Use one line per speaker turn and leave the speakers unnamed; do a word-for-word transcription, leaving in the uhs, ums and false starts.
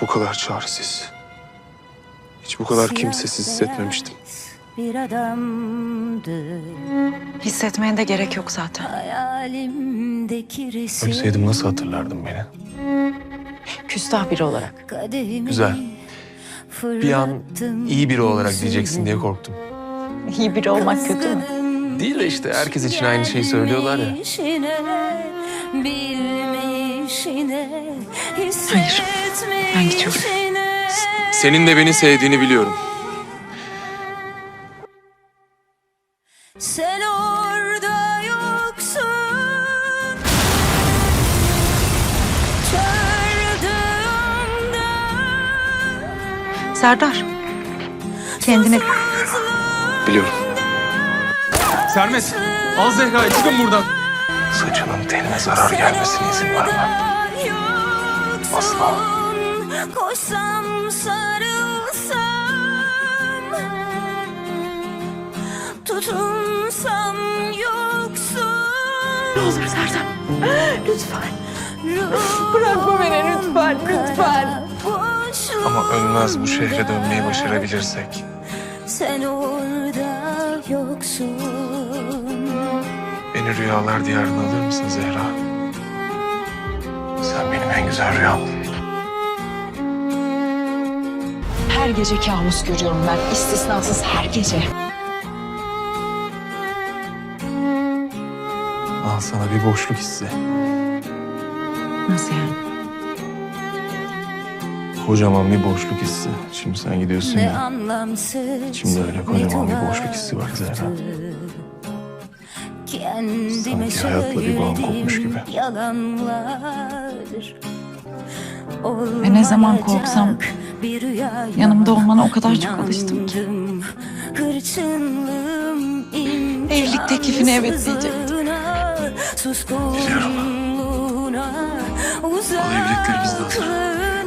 bu kadar çaresiz, hiç bu kadar kimsesiz hissetmemiştim.
Bir adamdı.
Hissetmeye de gerek yok zaten.
Hayalimdeki resim.
Ölseydim nasıl hatırlardın beni?
Küstah biri olarak.
Kadehimi
Güzel. Bir an
fırlattım
iyi biri olarak
yüzüne.
diyeceksin diye korktum.
İyi biri olmak kötü mü?
Değil de işte herkes için aynı şeyi söylüyorlar ya.
Gelmişine, bilmişine,
Hayır, ben gidiyorum.
hissetmişine.
Senin de beni sevdiğini biliyorum.
Sen orada yoksun. Çağırdığımda
Serdar, kendine...
Biliyorum. Sermet, al Zehra'yı, çıkın buradan. Saçının teline zarar gelmesine izin vermem. Asla.
Koşsam sarılsam, tutunsam yoksun.
Ne olur Serdar, lütfen. Bırakma beni lütfen, lütfen.
Ama ölmez bu şehre dönmeyi başarabilirsek.
Sen orada yoksun.
Beni rüyalar diyarına alır mısın Zehra? Sen benim en güzel rüyam.
Her gece kabus görüyorum ben, istisnasız her gece.
Al sana bir boşluk hissi.
Nasıl yani?
Kocaman bir boşluk hissi. Şimdi sen gidiyorsun
Ne
ya.
anlamsız.
İçimde öyle kocaman bir boşluk hissi var Zehra.
Kendime
Sanki hayatla bir bağım kopmuş gibi.
Yalanlar.
Ve ne zaman
Olmayacak
korksam
bir rüya
yanımda olmana o kadar çok alıştım ki.
inandım. Hırçınlığım
Evlilik teklifine evet diyecektim.
imkansızlığına, suskunluğuna,
evlilikleri bizde hazır.
uzaklığına.